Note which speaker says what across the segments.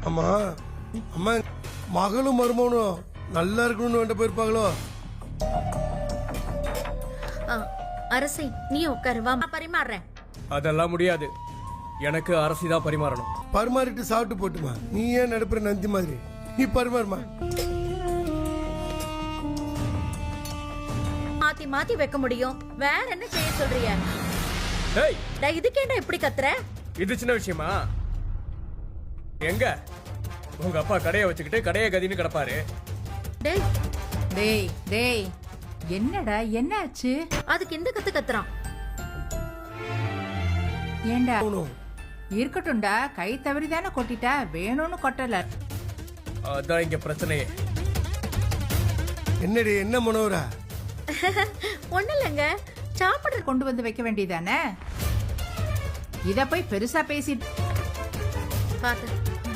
Speaker 1: ஆமா அம்மா மகளும் மருமகனும் நல்லா இருக்கணும்னு வேண்ட போயிருப்பாங்களோ?
Speaker 2: அரசை நீ உட்காரு, வா பரிமாறுறேன்.
Speaker 3: அதெல்லாம் முடியாது, எனக்கு அரசி தான் பரிமாறணும்.
Speaker 1: பரிமாறிட்டு சாப்பிட்டு போட்டுமா. நீ ஏன் நடுப்புற நந்தி மாதிரி? நீ பரிமாறுமா.
Speaker 2: மாத்தி மாத்தி வைக்க முடியும், வேற என்ன செய்ய சொல்றிய?
Speaker 3: டேய்,
Speaker 2: இதுக்கேண்டா இப்படி கத்துற?
Speaker 3: இது சின்ன விஷயமா? எங்க உங்க அப்பா கடையை வச்சுக்கிட்டு கடையை கதின்னு கிடப்பாரு.
Speaker 2: டேய்
Speaker 4: டேய் டேய், என்னடா என்ன ஆச்சு?
Speaker 2: அதுக்கு இந்த கத்து கத்துறான்.
Speaker 4: ஏண்டா இருக்கட்டும்டா, கை தவறிதானே கொட்டிட்டா, வேணும்னு கொட்டல.
Speaker 3: அதான் இங்க பிரச்சனையே.
Speaker 1: என்னடி என்ன மனோரா?
Speaker 2: ஒண்ணு இல்லங்க, சாப்பிட
Speaker 4: கொண்டு வந்து வைக்க வேண்டியதானே, இத போய் பெருசா பேசிட்டு.
Speaker 2: பாத்து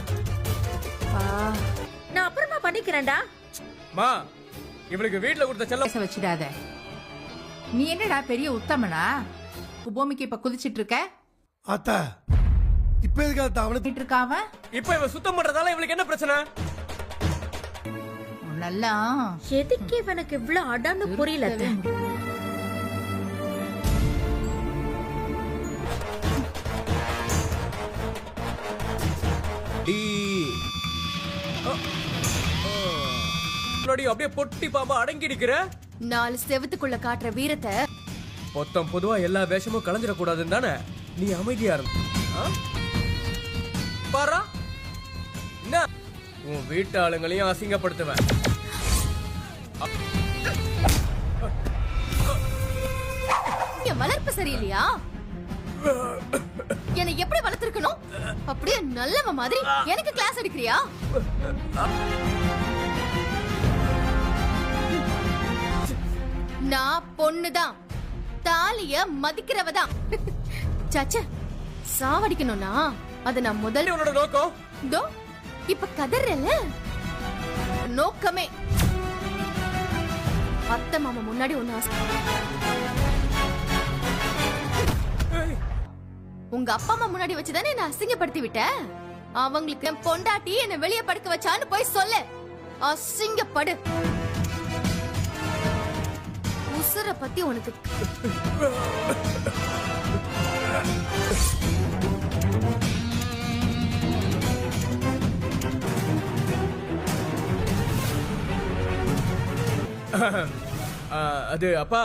Speaker 2: நான் அப்புறமா பண்ணிக்கிறேன்டா.
Speaker 3: மா, இவளுக்கு வீட்ல கொடுத்த செல்லம்
Speaker 4: பேச வச்சிடாத. நீ என்னடா பெரிய உத்தமனா? பூமிக்கு இப்ப குதிச்சிட்டு இருக்க.
Speaker 1: ஆத்தா இப்ப எதுக்கு அவனை
Speaker 4: இருக்காவ?
Speaker 3: இப்ப இவ சுத்தம் பண்றதால இவளுக்கு என்ன பிரச்சனை?
Speaker 4: நல்லா
Speaker 2: எதுக்கு இவனுக்கு இவ்வளவு அடான்னு புரியல.
Speaker 3: அப்படியே பொட்டி பாம்பா அடங்கி நிக்கிற.
Speaker 2: 4 செவத்துக்குள்ள காட்டுற வீரத்தை
Speaker 3: மொத்தம் பொதுவா எல்லா வேஷமும் கலந்துடக்கூடாதுன்னு தானே நீ அமைதியா இருந்த. பாரா, என்ன உன் வீட்டு ஆளுங்களையும் அசிங்கப்படுத்துவேன்.
Speaker 2: வளர்ப்பு சரியில்லையா? என்னை எப்படி வளர்த்திருக்கணும்? அப்படியே நல்லவ மாதிரி எனக்கு கிளாஸ் எடுக்கிறியா? நான் பொண்ணுதான், தாலிய மதிக்கிறவதான். சச்ச, சாவடிக்கணும்னா அத நான் முதல்ல
Speaker 3: உன்னோட நோக்கம்
Speaker 2: தோ இப்ப கதறல நோக்கமே. அத்தை மாமா முன்னாடி ஒண்ணு உங்க அப்பா அம்மா முன்னாடி வச்சுதானே என்ன அசிங்கப்படுத்தி விட்ட. அவங்களுக்கு என் பொண்டாட்டி என்ன வெளியே படுக்க வச்சான்னு போய் சொல்லு. அசிங்கப்படு. உசுர பத்தி உனக்கு
Speaker 3: அது அப்பா,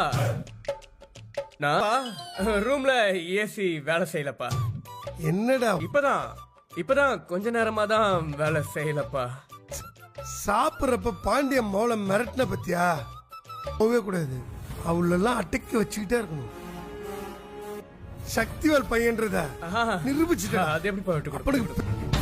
Speaker 3: நான் ரூம்ல ஏசி வேலை செய்யலப்பா.
Speaker 1: என்னடா
Speaker 3: இப்பதான் கொஞ்ச நேரமா தான் வேலை செய்யலப்பா.
Speaker 1: சாப்பிட்றப்ப பாண்டிய மோளை மிரட்டின பத்தியா? போகவே கூடாது, அவளெல்லாம் அடக்கி வச்சுக்கிட்டே இருக்கணும். சக்திவேல் பையன்றத நிரூபிச்சுட்டா.
Speaker 3: அது எப்படி போயிட்டு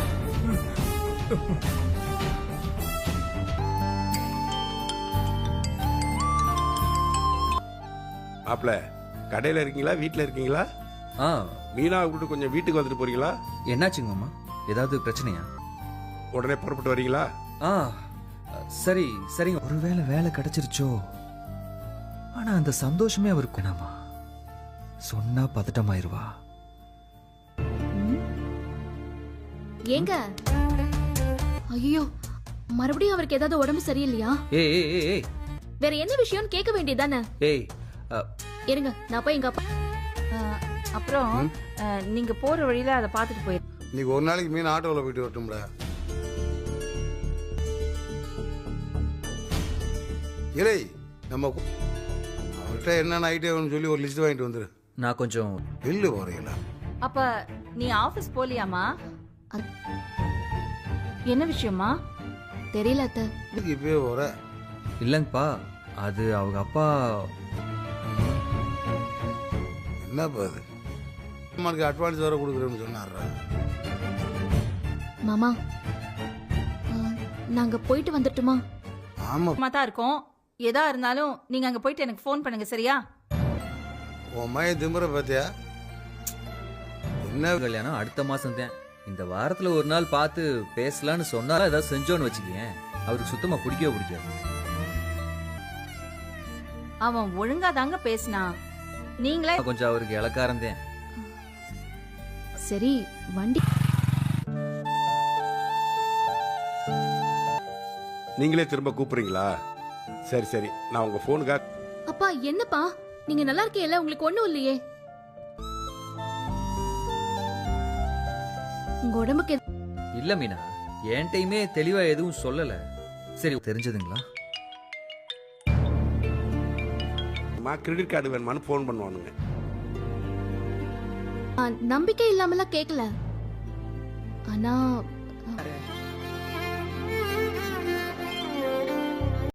Speaker 5: மாப்ள, கடையில இருக்கீங்களா வீட்டுல இருக்கீங்களா? மீனா கூப்பிட்டு கொஞ்சம் வீட்டுக்கு வந்துட்டு போறீங்களா?
Speaker 6: என்னாச்சுங்க மாமா, ஏதாவது பிரச்சனையா?
Speaker 5: உடனே புறப்பட்டு வரீங்களா?
Speaker 6: சரி சரிங்க. ஒருவேளை வேலை கிடைச்சிருச்சோ, ஆனா அந்த சந்தோஷமே அவருக்கு வேணாமா? சொன்னா பதட்டமாயிருவா.
Speaker 2: ஏங்க, ஐயோ மறுபடியும் அவருக்கு ஏதாவது உடம்பு சரியில்லையா?
Speaker 6: ஏய்
Speaker 2: வேற என்ன விஷயம் கேட்க வேண்டியதானே?
Speaker 6: ஏய்
Speaker 2: இருங்க, நான் போய் எங்க அப்பா.
Speaker 4: அப்புறம் நீங்க போற வழியில அதை பார்த்துட்டு போயிரு.
Speaker 5: இன்னைக்கு ஒரு நாளைக்கு மீன் ஆட்டோவில் போயிட்டு வரட்டும்டா. இறை, நம்ம அவர்கிட்ட என்னென்ன ஐட்டம் சொல்லி ஒரு லிஸ்ட் வாங்கிட்டு வந்துரு.
Speaker 6: நான் கொஞ்சம்
Speaker 5: வெளில போறீங்களா?
Speaker 4: அப்ப நீ ஆபீஸ் போலியாமா? என்ன விஷயமா?
Speaker 2: தெரியல அத்தை.
Speaker 5: இப்பவே போற?
Speaker 6: இல்லங்கப்பா, அது அவங்க அப்பா.
Speaker 5: என்னப்பா அது? அம்மாவுக்கு அட்வான்ஸ் வேற கொடுக்குறேன்னு சொன்னாரா?
Speaker 2: மாமா, நாங்க போயிட்டு வந்துட்டுமா?
Speaker 5: ஆமா
Speaker 4: தான் இருக்கோம். எதா இருந்தாலும் நீங்க அங்க போயிட்டு எனக்கு ஃபோன் பண்ணுங்க, சரியா?
Speaker 5: உன் மைய திமுற பாத்தியா? என்ன
Speaker 6: கல்யாணம் அடுத்த மாசம் தான். இந்த வாரத்துல ஒரு நாள் பார்த்து பேசலான்னு சொன்னாலும் ஏதாவது செஞ்சோன்னு வச்சுக்கேன், அவருக்கு சுத்தமா பிடிக்கவே பிடிக்காது.
Speaker 4: அவன் ஒழுங்கா தாங்க பேசினா, நீங்களே
Speaker 6: கொஞ்சம் அவருக்கு இலக்காரம் தான்.
Speaker 2: சரி, வண்டி
Speaker 5: நீங்களே திரும்ப கூப்பிடுறீங்களா? சரி சரி, நான் உங்க போனுக்காக.
Speaker 2: அப்பா என்னப்பா நீங்க நல்லா இருக்கீல்ல, உங்களுக்கு ஒண்ணும் இல்லையே? உங்க உடம்புக்கு
Speaker 6: இல்ல மீனா, என்கிட்டயுமே தெளிவா எதுவும் சொல்லல. சரி, தெரிஞ்சதுங்களா?
Speaker 5: கிரெடிட் கார்டு வேணுமான்னு ஃபோன் பண்ணுவானுங்க.
Speaker 2: நம்பிக்கை இல்லாமலாம் கேட்கல. ஆனா